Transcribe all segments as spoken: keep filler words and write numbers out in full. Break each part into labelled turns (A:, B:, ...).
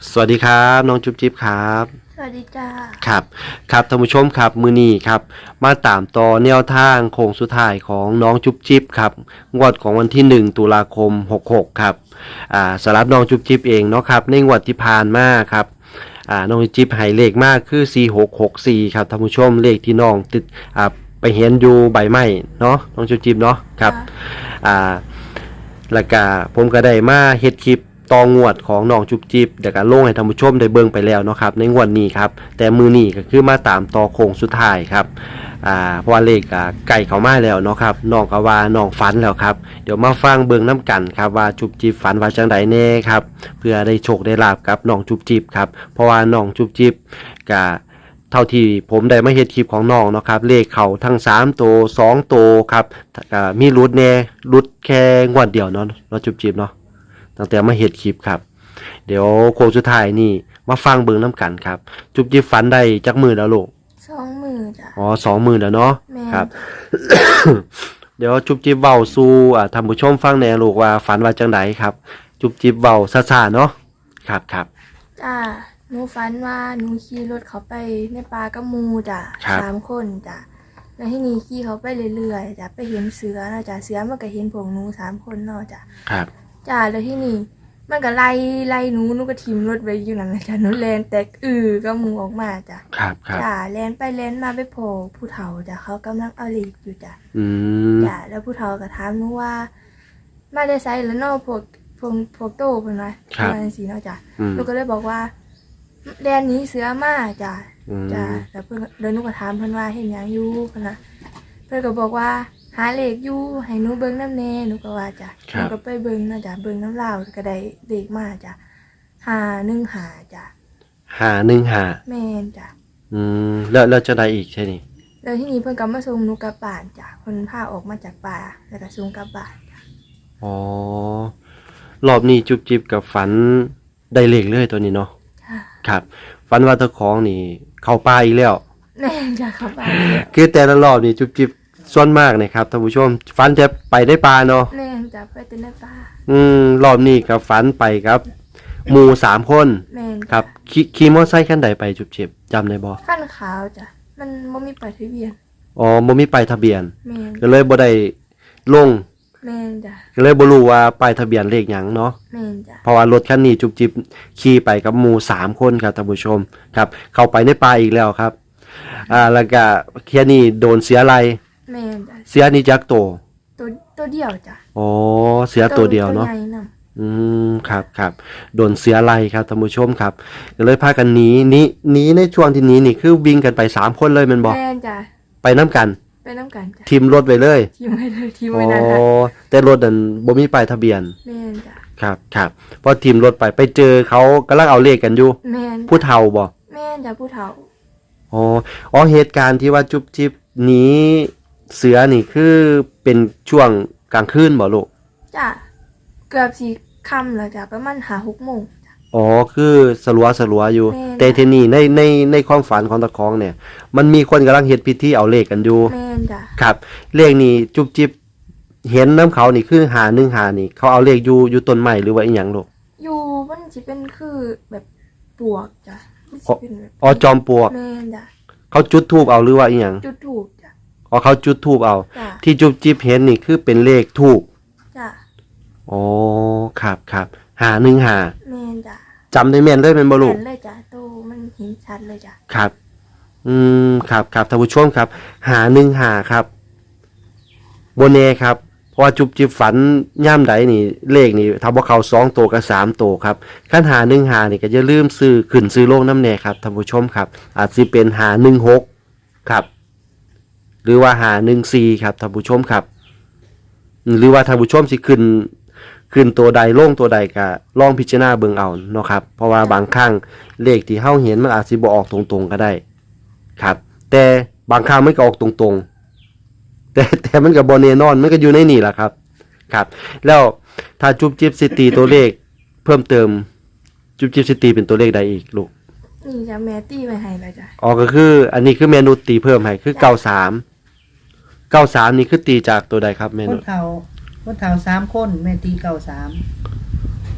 A: สวัสดีครับน้องจุ๊บจิ๊บครับ
B: สวัสดีจ้า
A: ครับครับท่านผู้ชมครับมือนี้ครับมาตามต่อแนวทางโค้งสุดท้ายของน้องจุ๊บจิ๊บครับงวดของวันที่หนึ่งตุลาคมหกหกครับอ่าสำหรับน้องจุ๊บจิ๊บเองเนาะครับในงวดที่ผ่านมาครับอ่าน้องจุ๊บจิ๊บให้เลขมากคือสี่หกหกสี่ครับท่านผู้ชมเลขที่น้องติดอ่าไปเห็นอยู่ใบไม้เนาะน้องจุ๊บจิ๊บเนาะครับอ่าแล้วก็ผมก็ได้มาเฮ็ดคลิปต่องวดของน้องจุบจิบเดี๋ยวกันลงให้ท่านผู้ชมได้เบิ่งไปแล้วเนาะครับในงวดนี้ครับแต่มือนี้ก็คือมาตามต่อโค้งสุดท้ายครับอ่าเพราะว่าเลขอ่าไก่เข้ามาแล้วเนาะครับน้องก็ว่าน้องฝันแล้วครับเดี๋ยวมาฟังเบิ่งน้ำกันครับว่าจุบจิบฝันว่าจังใดแน่ครับเพื่อได้โชคได้ลาบกับน้องจุบจิบครับเพราะว่าน้องจุบจิบก็เท่าที่ผมได้มาเฮ็ดคลิปของน้องเนาะครับเลขเขาทั้งสามตัวสองตัวครับก็มีรุดแน่รุดแค่งวดเดียวเนาะเนาะจุบจิบเนาะตั้งแต่มาเฮ็ดคลิปครับเดี๋ยวโค้งสุดท้ายนี่มาฟังเบิ่งน้ำกันครับจุบจิบฝันได้จักมือแล้วลูก
B: สองมือจ้ะ
A: อ๋อสองมือแล้วเนาะ
B: แม่
A: ครับ เดี๋ยวจุบจิบเว้าสู่อ่าท่านผู้ชมฟังแหน่ลูกว่าฝันว่าจังไดครับ จุบจิบเว้าซ่าๆเนาะครับครับ
B: จ้าหนูฝันว่าหนูขี่รถเขาไปในป่ากับหมูจ้ะสามคนจ้ะแล้วที่นี่ขี่เขาไปเรื่อยๆจ้ะไปเห็นเสือนะจ้ะเสือมันก็เห็นพวกหนูสามคนเนาะจ้ะ
A: ครับ
B: จ้าแล้วที่นี่มันก็ไล่ไล่หนูหนูก็ทิ่มรถไว้อยู่นั่นแหละจ้ะหนูแลนแตกอือก็หมูออกมาจ้ะ
A: ครับครับ
B: จ้าแลนไปแลนมาไปโผล่ผู้เฒ่าจ้ะเขากำลังเอาเหล็กอยู่จ้ะ
A: อืม
B: จ้ะแล้วผู้เฒ่าก็ถามหนูว่ามาได้ไสแล้วเนาะพวกพวกพวกโตเพิ่นว่าว่าจังซี่เนาะจ้ะหนูก็เลยบอกว่าแดนหนี้เสือมาจ้ะจ้ะแล้วเพิ่นเดินหนูก็ถามเพิ่นว่าเฮ็ดหยังอยู่เพิ่นน่ะเพิ่นก็บอกว่าหาเลขอยู่ให้หนูเบิ่งนำแน่หนูก็ว่าจ้ะหนูก็ไปเบิ่งเนาะจ้ะเบิ่งนำลาวก็ได้เลขมาจ้ะห้าหนึ่งห้าจ้ะ
A: ห้าหนึ่งห้า
B: แม่นจ้ะ
A: อืมแล้วแล้วจะได้อีกใช่นี่
B: แล้วทีนี้เพิ่นก็มาส่งหนูกลับบ้านจ้ะเพิ่นพาออกมาจากป่าแล้วก็ส่งกลับบ้านจ้ะ
A: อ๋อรอบนี้จุบจิบกับฝันได้เลขเลยตัวนี้เนาะครับฝันว่าตะของนี่เข้าป่าอีกแล้ว
B: แม่นจ้ะเข้าบ้าน
A: คือแต่ละรอบนี่จุบจิบส่วนมากนะครับท่านผู้ชมฝันจะไปได้ป่าเนาะ
B: แม่นจ้ะไปแต่ในป่า
A: อืมรอบนี้กับฝันไปครับหมู่สามคน
B: แม่น
A: ครับขี่ขี่มอเตอร์ไซค์คันใดไปจุบจิบจำได้บ่
B: คันขาวจ้ะมันบ่มีป้ายทะเบียน
A: อ๋อบ่มีป้ายทะเบียน
B: แม่น
A: ก็เลยบ่ได้ลง
B: แม่นจ้ะ
A: ก็เลยบ่รู้ว่าป้ายทะเบียนเลขหยังเนาะ
B: แม่นจ้ะ
A: เพราะว่ารถคันนี้จุบจิบขี่ไปกับหมู่สามคนครับท่านผู้ชมครับเข้าไปในป่าอีกแล้วครับอ่าแล้วก็แค่นี้โดนเสียอะไร
B: แม่นจ้ะ
A: เสียนี่จักโต
B: ตัวตัวเดียวจ้ะ
A: อ๋อเสียตัวเดียวเนาะ
B: ตัวใหญ่นำ
A: อืมครับครับโดนเสียอะไรครับท่านผู้ชมครับก็เลยพากันหนีหนีหนีในช่วงที่หนีนี่คือวิ่งกันไปสามคนเลยแม่นบ่
B: แม่นจ้ะ
A: ไปนํกัน
B: ไปนำกันจ้ะ
A: ทิมรถไว้เลย
B: ทิมไว้เลยทิมไว้นั่น
A: อ๋อแต่รถนั่นบ่มีป้ายทะเบียน
B: แม่นจ้ะ
A: ครับครับพอทิมรถไปไปเจอเขากำลังเอาเลขกันอยู่
B: แม่น
A: ผู้เฒ่าบ่
B: แม่นจ้ะผู้เฒ่า
A: อ๋ออ๋อเหตุการณ์ที่ว่าจุบจิบหนีเสือนี่คือเป็นช่วงกลางคืนบ่ลูก
B: จ้ะเกือบสิค่ำแล้วจ้ะประมาณ ห้าหก โมงจ้ะ
A: อ๋อคือสลัวสลัวอยู่แต่ทีนี้ในในในความฝันของตะคองเนี่ยมันมีคนกำลังเฮ็ดพิธีเอาเลขกันอยู่
B: แม่นจ้ะ
A: ครับเลขนี้จุบจิบเห็นน้ำเขานี่คือหาหนึ่งหานี่เขาเอาเลขอยู่อยู่ต้นไม้หรือว่าอีหยังลูก
B: อยู่มันสิเป็นคือแบบปวกจ้ะมันสิเป็นแบบ
A: อ๋อจอมปลวก
B: แม่นจ้ะ
A: เขาจุดธูปเอาหรือว่าอีหยัง
B: จุดธูปจ้ะ
A: อ๋อเขาจุดธูปเอา
B: จ้ะ
A: ที่จุบจิบเห็นนี่คือเป็นเลขธูป
B: จ้ะ
A: อ๋อครับครับหาหนึ่งหา
B: แม่นจ้ะ
A: จำได้แม่นเลยเป็นบ่ลูก
B: เห็นเลยจ้ะโตมันเห็นชัดเลยจ้ะ
A: ครับอืมครับครับท่านผู้ชมครับหาหนึ่งหาครับโบเน่ครับเพราะว่าจุบจิบฝันย่ามใดนี่เลขนี่ถ้าบ่เข้าสองตัวกับสามตัวครับคันหาหนึ่งหานี่ก็อย่าลืมซื้อขึ้นซื้อลงนำแน่ครับท่านผู้ชมครับอาจสิเป็นหาหนึ่งหกครับหรือว่าหาหนึ่งสี่ครับท่านผู้ชมครับหรือว่าท่านผู้ชมสิขึ้นขึ้นตัวใดลงตัวใดก็ลองพิจารณาเบิ่งเอาเนาะครับเพราะว่าบางครั้งเลขที่เฮาเห็นมันอาจสิบ่ออกตรงๆก็ได้ครับแต่บางครั้งมันก็ออกตรงๆแต่แต่มันก็บ่แน่นอนมันก็อยู่ในนี่แหละครับครับแล้วถ้าจุบจิบสิตีตัวเลขเพิ่มเติมจุบจิบสิตีเป็นตัวเลขใดอีกลูก
B: นี่จ้ะแม่ตีไว้ให้แล้วจ้ะ
A: อ๋อก็คืออันนี้คือเมนูตีเพิ่มให้คือเก้าสาม เก้าสามนี่คือตีจากตัวใดครับเมนู
C: คนเฒ่าคนเฒ่าสามคนแม่ตีเก้าสาม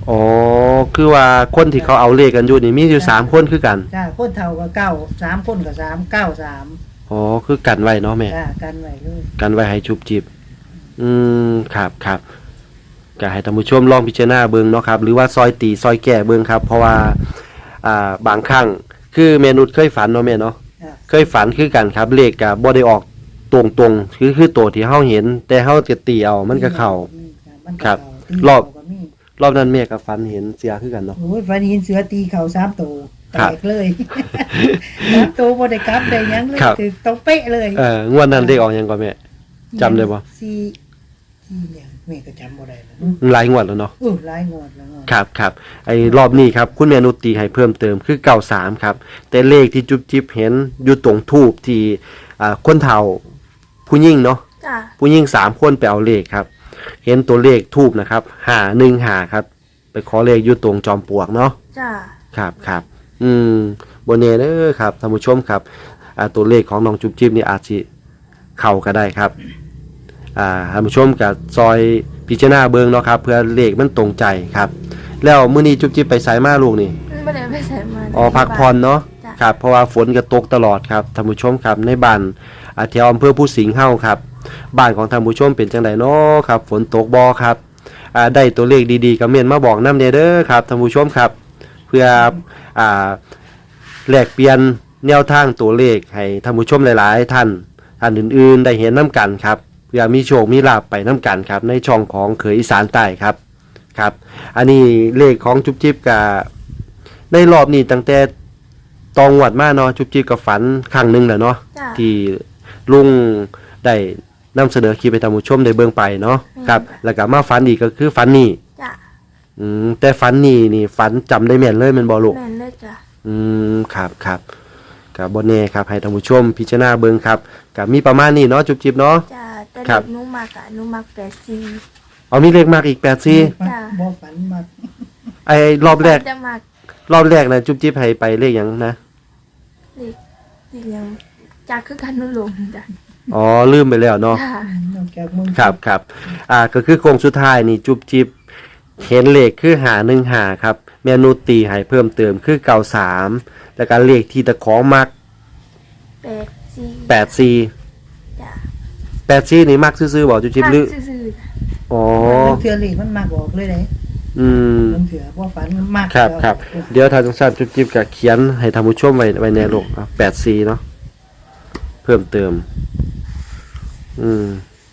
A: อ๋อคือว่าคนที่เขาเอาเลขกันอยู่นี่มีอยู่สามคนคือกัน
C: จ้าคนเฒ่าก็เก้าสามคนก็สามเก้าสาม
A: อ๋อคือกันไว้เนาะแม่
C: จ้ากันไว้เลย
A: กันไว้ให้ชุบจิบอืมครับครับก็ให้ท่านผู้ชมลองพิจารณาเบิ่งเนาะครับหรือว่าซอยตีซอยแก่เบิ่งครับเพราะว่าอ่าบางครั้งคือเมนุษย์เคยฝันเนาะแม่เนาะ
C: จ้า
A: เคยฝันคือกันครับเลขก็บ่ได้ออกตรงๆคือคือตัวที่เฮาเห็น แต่เฮาจะตีเอามันก็เข้า
C: มันก็
A: ครับ
C: เข้าตี
A: รอบ
C: เข้าก็มี
A: รอบนั้นแม่ก็ฝันเห็นเสียคือกันเนาะ
C: โอ้ยฟันหินเสือตีเข่าสามตัวแต
A: ครับ
C: กเลย สามตัวบ่ได้กลับได้หยังเลย
A: ครับ
C: คือตรงเป๊ะเลย
A: เอองวดนั้นเลขออกหยังก่อนแม่ จำได้บ่
C: สี่ที่เนี่ยแม่ก็จำบ่ได้แล้ว
A: หลายงวดแล้วเนาะ
C: อู้หลายงวดแล้วเนาะ
A: ครับครับไอ้รอบนี้ครับคุณแม่นุชตีให้เพิ่มเติมคือเก้าสามครับแต่เลขที่จุ๊บจิ๊บเห็นอยู่ตรงทูบที่อ่าคนเฒ่าผู้หญิงเนาะ
B: จ้ะ
A: ผู้หญิงสามคนไปเอาเลขครับ เห็นตัวเลขทูบนะครับหาหนึ่งหาครับ ไปขอเลขอยู่ตรงจอมปลวกเนาะ
B: จ้ะ
A: ครับครับอืมโบเน่เด้อครับท่านผู้ชมครับอ่าตัวเลขของน้องจุ๊บจิ๊บนี่อาจจะเข้าก็ได้ครับอ่าท่านผู้ชมกับซอยพิจารณาเบิ่งเนาะครับเพื่อเลขมันตรงใจครับ แล้วมื้อนี้จุ๊บจิ๊บไปไสมาลูกนี่
B: ไม่ได้ไปใส่มา
A: อ๋อพักผ่อนเนาะ
B: จ้ะ
A: ครับเพราะว่าฝนก็ตกตลอดครับท่านผู้ชมครับในบ้านอาแถวอำเภอผู้สิงห์เฮาครับบ้านของท่านผู้ชมเป็นจังไดเนาะครับฝนตกบ่ครับอ่าได้ตัวเลขดีๆก็เม่นมาบอกนำเด้อครับท่านผู้ชมครับ เพื่ออ่าแลกเปลี่ยนแนวทางตัวเลขให้ท่านผู้ชมหลายๆท่านท่านอื่นๆได้เห็นน้ำกันครับเพื่อมีโชคมีลาภไปน้ำกันครับในช่องของเขยอีสานใต้ครับครับ อันนี้เลขของจุ๊บจิ๊บกับในรอบนี้ตั้งแต่ตองวัดมาเนาะจุ๊บจิ๊บกับฝันครั้งหนึ่งแหละเนาะ
B: จ้ะ
A: ที่ลุงได้นำเสนอคลิปให้ท่านผู้ชมได้เบิ่งไปเนาะครับแล้วก็มาฝันอีกก็คือฝันนี่
B: จ้ะ
A: อืมแต่ฝันนี่นี่ฝันจำได้แม่นเลยแมันบ่ลูก
B: แม่นเลยจ้ะ
A: อืมครับครับกับบนเน่ครับให้ท่านผู้ชมพิจารณาเบิ่งครับกับมีประมาณนี้เนาะจุ๊บจิ๊บเนาะ
B: จ้ะแต่
A: ครั
B: เด็
A: บ
B: กหนูมากอะหนูมักแปดสี่
A: เอามีเลขมากอีกแปดสี่
B: จ้ะ
C: บ่ฝันมาก
A: ไอ้รอบแรก
B: จะมาก
A: รอบแรกนะจุ๊บจิ๊บให้ไปเลขหยังนะ
B: เด็กเด็กยังจากคือกันหนุลงจ้ะ
A: อ๋อลืมไปแล้วเนาะ
B: จ้ะ
C: นอกจากมึง
A: ครับครับอ่าก็คือโครงสุดท้ายนี่จุ๊บจิ๊บเห็นเลขคือหาหนึ่งหาครับเมนูตีให้เพิ่มเติมคือเก่าสามแล้วก็เลขที่ตะของมัก
B: แปดสี่
A: แปดสี่
B: จ้ะ
A: แปดสี่นี่มักซื่อๆบอกจุ๊บจิ๊บ
B: มัก
A: หรือ
B: ซื่อๆจ้ะ
A: อ๋อ
C: มันเถื่อเลขมันมากออกเลยเด้
A: อืม
C: มันเถื่อบ่ฝันมันมาก
A: ครับ
C: แล้ว
A: ครับเดี๋ยวทางจังสันจุ๊บจิ๊บก็เขียนให้ท่านผู้ชมไว้ไว้ในโลกแปดสี่เนาะเพิ่มเติม อืม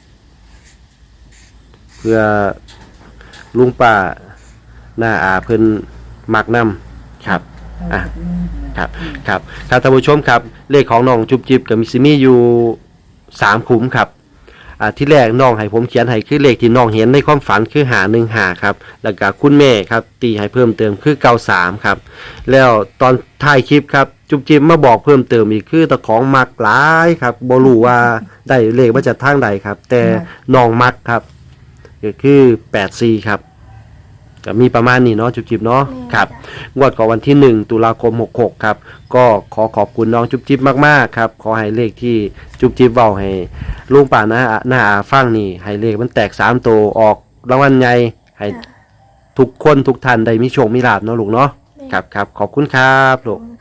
A: เพื่อลุงป้าหน้าอาเพิ่นมักนำครับ อ่ะ ครับครับครับท่านผู้ชมครับเลขของน้องจุ๊บจิ๊บกับมิซิมี่อยู่สามขุมครับอ่าที่แรกน้องให้ผมเขียนให้คือเลขที่น้องเห็นในความฝันคือหาหนึ่งหาครับแล้วก็คุณแม่ครับตีให้เพิ่มเติมคือเก้าสามครับแล้วตอนท้ายคลิปครับจุ๊บจิ๊บมาบอกเพิ่มเติมอีกคือตะของมักหลายครับบ่รู้ว่าได้เลขมาจากทางใดครับ แต่น้องมักครับก็คือแปดสี่ครับก็มีประมาณนี้เนาะจุ๊บจิ๊บเนาะ
B: แม่
A: ครับ
B: จ้ะ
A: งวดของวันที่หนึ่งตุลาคมหกหกครับก็ขอขอบคุณน้องจุ๊บจิ๊บมากๆครับขอให้เลขที่จุ๊บจิ๊บเว้าให้ลุงป่าหน้าหน้าอาฟังนี่ให้เลขมันแตกสามตัวออกรางวัลใหญ่ให้
B: จ้ะ
A: ทุกคนทุกท่านได้มีโชคมีลาภเนาะลูกเนาะครับครับขอบคุณครับลูก
B: อืม